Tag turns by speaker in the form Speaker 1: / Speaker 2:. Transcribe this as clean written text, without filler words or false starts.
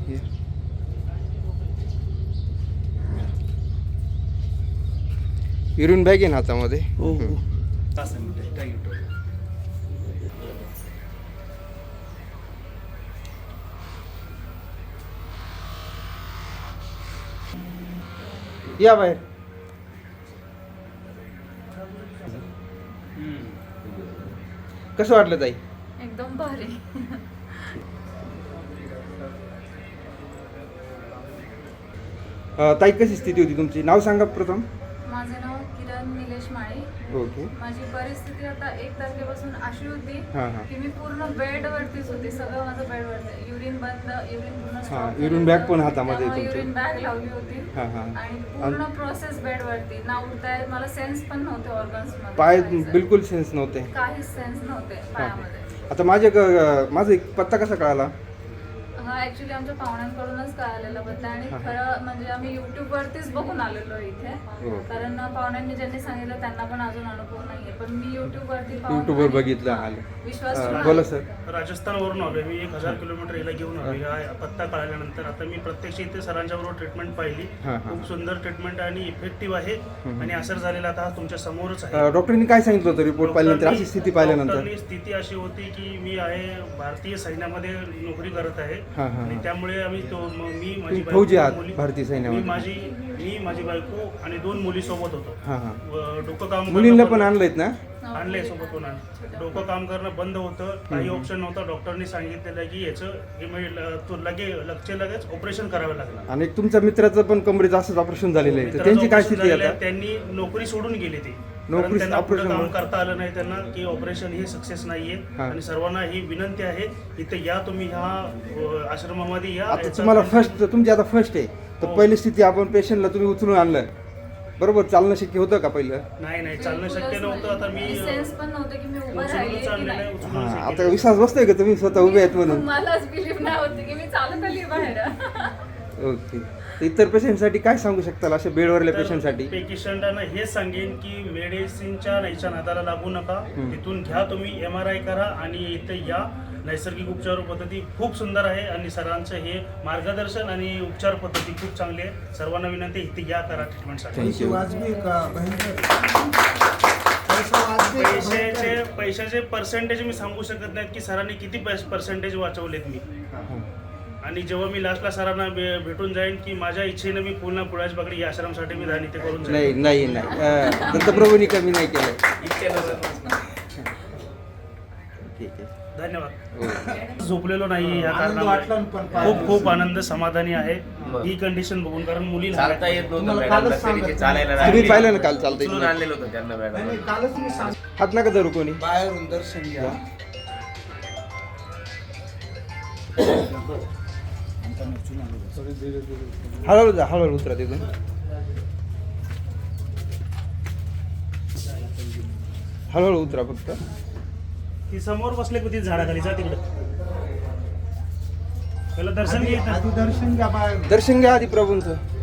Speaker 1: Urine bag आहे ना हातामध्ये.
Speaker 2: हो हो.
Speaker 1: या बाहेर. कसं वाटलं ताई?
Speaker 3: एकदम भारी.
Speaker 1: ताई कशी स्थिती होती तुमची? नाव सांगा प्रथम.
Speaker 3: माझं नाव किरण निलेश माळी.
Speaker 1: ओके.
Speaker 3: माझी परिस्थिती आता 1 तारखेपासून अशी होती
Speaker 1: हां हां
Speaker 3: की मी पूर्ण बेडवरतीच होते. सगळं माझं बेडवरती. युरिन बंद, युरिन पूर्ण stop
Speaker 1: हां,
Speaker 3: झालं
Speaker 1: युरिन
Speaker 3: होतं.
Speaker 1: बॅग पण हातामध्ये
Speaker 3: त्यामुळे
Speaker 1: तुमच्या.
Speaker 3: युरिन बॅग लावली होती.
Speaker 1: हां हां.
Speaker 3: आणि पूर्ण प्रोसेस बेडवरती. ना उठताय, मला सेन्स पण नव्हते ऑर्गन्स
Speaker 1: पाय
Speaker 3: मध्ये.
Speaker 1: बिलकुल सेन्स नव्हते.
Speaker 3: काहीच सेन्स नव्हते पायामध्ये.
Speaker 1: आता माझा एक पत्ता कसा कळाला?
Speaker 3: हा ऍक्च्युली आमच्या पाहुण्यांकडूनच कळालेला बद्दल आणि खरं म्हणजे आम्ही YouTube वरतीच बघून आलेलो इथे.
Speaker 1: हो.
Speaker 3: कारण पाहुण्यांनी ज्यांनी सांगितलं त्यांना पण अजून अनुभव नाहीये, पण मी YouTube वरती पाहून
Speaker 1: YouTube वर
Speaker 3: आणि-
Speaker 1: बघितलं
Speaker 3: हा,
Speaker 1: आलं.
Speaker 3: विश्वास
Speaker 1: बोला
Speaker 3: ठेवून
Speaker 1: सर.
Speaker 4: राजस्थानवरून आलोय मी. 1000 किलोमीटर याला घेऊन आलोय. हा पत्ता कळाल्यानंतर आता मी प्रत्यक्ष इथे सरांच्या बरोबर ट्रीटमेंट पाहिली.
Speaker 1: हां हां.
Speaker 4: खूप सुंदर ट्रीटमेंट आणि इफेक्टिव्ह आहे आणि असर झालेला आता हा तुमच्या समोरच आहे.
Speaker 1: डॉक्टरांनी काय सांगितलं होतं रिपोर्ट पाहिल्यानंतर, अशी स्थिती पाहिल्यानंतर?
Speaker 4: डॉक्टरनी स्थिती अशी होती की मी आहे भारतीय सैन्यामध्ये नोकरी करत आहे
Speaker 1: हां हां.
Speaker 4: आणि त्यामुळे आम्ही मी माझी
Speaker 1: तुम्ही फौजी आहात
Speaker 4: मुली-
Speaker 1: भारतीय सैन्यामध्ये?
Speaker 4: मी माझी बायको आणि 2 मुली सोबत होतो.
Speaker 1: हां हां.
Speaker 4: डोकं काम
Speaker 1: मुलींना
Speaker 4: करणं
Speaker 1: पण आणलंयत ना?
Speaker 4: आणलंय सोबत होणार. डोकं काम करणं बंद होतं. काही ऑप्शन नव्हतं. डॉक्टरनी सांगितलेलं की याचं लगेच ऑपरेशन करावं लागलं.
Speaker 1: आणि एक तुमच्या मित्राचं पण कमरेचं असंच ऑपरेशन झालेलं आहे, तर त्यांची काय स्थिती आहे आता?
Speaker 4: त्यांनी नोकरी सोडून गेली ती.
Speaker 1: नोकरी
Speaker 4: कारण त्यांना पुढे
Speaker 1: operation
Speaker 4: काम
Speaker 1: मुळे?
Speaker 4: करता आलं नाही त्यांना की ऑपरेशन हे सक्सेस नाहीये.
Speaker 1: हा.
Speaker 4: आणि सर्वांना ही विनंती आहे इथे या तुम्ही ह्या आश्रमामध्ये या.
Speaker 1: आता
Speaker 4: याचा
Speaker 1: तुम्हाला
Speaker 4: त्यांनी-
Speaker 1: तुमची आता फर्स्ट आहे, तर
Speaker 4: हो.
Speaker 1: पहिली स्थिती आपण पेशंटला तुम्ही उचलून आणलं बरोबर, चालणं शक्य होतं का पहिलं?
Speaker 4: नाही चालणं शक्य नव्हतं. आता मी
Speaker 3: सेन्स पण नव्हते की मी उभं राहिले
Speaker 4: उचलून
Speaker 3: की
Speaker 4: चाललेलं
Speaker 3: नाही.
Speaker 4: आहे, उचलून
Speaker 1: हां,
Speaker 4: शक्य
Speaker 1: आता
Speaker 4: नाही.
Speaker 1: विश्वास बसतोय का तुम्ही स्वतः उभे आहेत म्हणून?
Speaker 3: मलाच बिलीव्ह नाही होते की मी चालत आली बाहेर.
Speaker 1: ओके. तर इतर पेशंटसाठी काय सांगू शकताल, अशा बेडवरल्या पेशंटसाठी?
Speaker 4: पेशंटांना हे सांगेन की मेडिसिनच्या नाहीच्या नादाला लागू नका. तिथून घ्या तुम्ही MRI करा आणि इथे या. नैसर्गिक उपचार पद्धती खूप सुंदर आहे आणि सरांचं हे मार्गदर्शन आणि उपचार पद्धती खूप चांगली आहे. सर्वांना विनंती इथे या करा ट्रीटमेंटसाठी.
Speaker 1: थँक्यू.
Speaker 4: पैशाचे पर्सेंटेज मी सांगू शकत नाहीत की सरांनी किती पर्सेंटेज वाचवलेत मी. आणि जेव्हा मी लास्टला सरांना भेटून जाईन की माझ्या इच्छेने मी पुन्हा पुळाच बागडी या आश्रमसाठी मी दान इथे करून जाईन.
Speaker 1: नाही दत्तप्रभूंनी कमी नाही केलं. ठीक आहे.
Speaker 4: धन्यवाद. झोपलेलो नाही या कारणामुळे खूप आनंद समाधानी आहे ही कंडिशन बघून. कारण मुली
Speaker 5: चालता येत नव्हतं मॅडमला, तरी ते चालायला
Speaker 1: तुम्ही
Speaker 5: लागले.
Speaker 1: पाहिलं ना काल
Speaker 5: उचलून
Speaker 1: चालतंय?
Speaker 5: आणलेलं होतं त्यांना मॅडम.
Speaker 1: हात नका धरू कोणी.
Speaker 2: बाहेरून दर्शन घ्या.
Speaker 1: हळूहळू उतरा तिथून. हळूहळू उतरा फक्त.
Speaker 4: ती समोर बसले होती झाडाखाली. जा तिकडे त्याला दर्शन घेत
Speaker 2: आधी दर्शन घ्या बाहेर.
Speaker 1: दर्शन घ्या आधी प्रभूंचं.